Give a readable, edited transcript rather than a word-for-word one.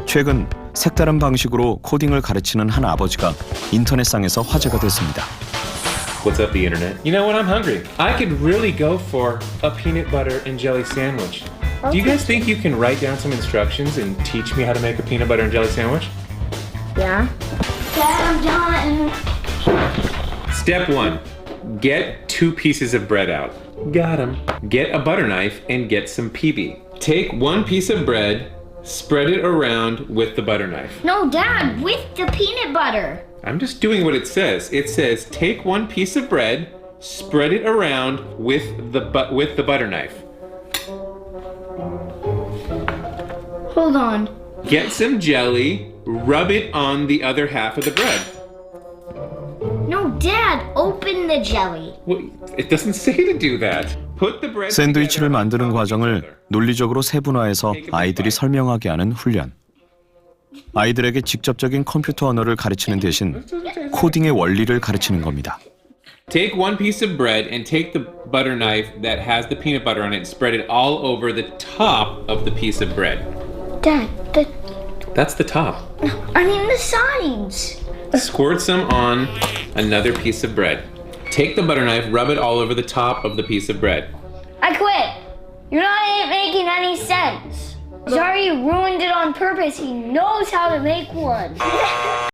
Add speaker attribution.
Speaker 1: 최근 색다른 방식으로 코딩을 가르치는 한 아버지가 인터넷상에서 화제가 됐습니다.
Speaker 2: What's up, the internet? You know what? I'm hungry. I could really go for a peanut butter and jelly sandwich. Do you guys think you can write down some instructions and teach me how to make a peanut butter and jelly sandwich?
Speaker 3: Yeah. Dad, I'm done.
Speaker 2: Step 1. Get 2 pieces of bread out. Got 'em. Get a butter knife and get some PB. Take 1 piece of bread, spread it around with the butter knife.
Speaker 3: No, Dad, with the peanut butter.
Speaker 2: I'm just doing what it says. It says take 1 piece of bread, spread it around with the butter knife.
Speaker 3: Hold on.
Speaker 2: Get some jelly, rub it on the other half of the bread.
Speaker 3: No, Dad, open the jelly.
Speaker 2: Well, it doesn't say to do that. Put the bread
Speaker 1: 샌드위치를
Speaker 2: together
Speaker 1: 만드는
Speaker 2: on top of each
Speaker 1: 과정을
Speaker 2: other.
Speaker 1: 논리적으로 세분화해서 아이들이 설명하게 하는 훈련. 아이들에게 직접적인 컴퓨터 언어를 가르치는 대신 코딩의 원리를 가르치는 겁니다.
Speaker 2: Take 1 piece of bread and take the butter knife that has the peanut butter on it and spread it all over the top of the piece of bread.
Speaker 3: Dad,
Speaker 2: That's the top.
Speaker 3: I mean the sides.
Speaker 2: Squirt some on another piece of bread. Take the butter knife, rub it all over the top of the piece of bread.
Speaker 3: I quit. You're not making any sense. Zari ruined it on purpose. He knows how to make one.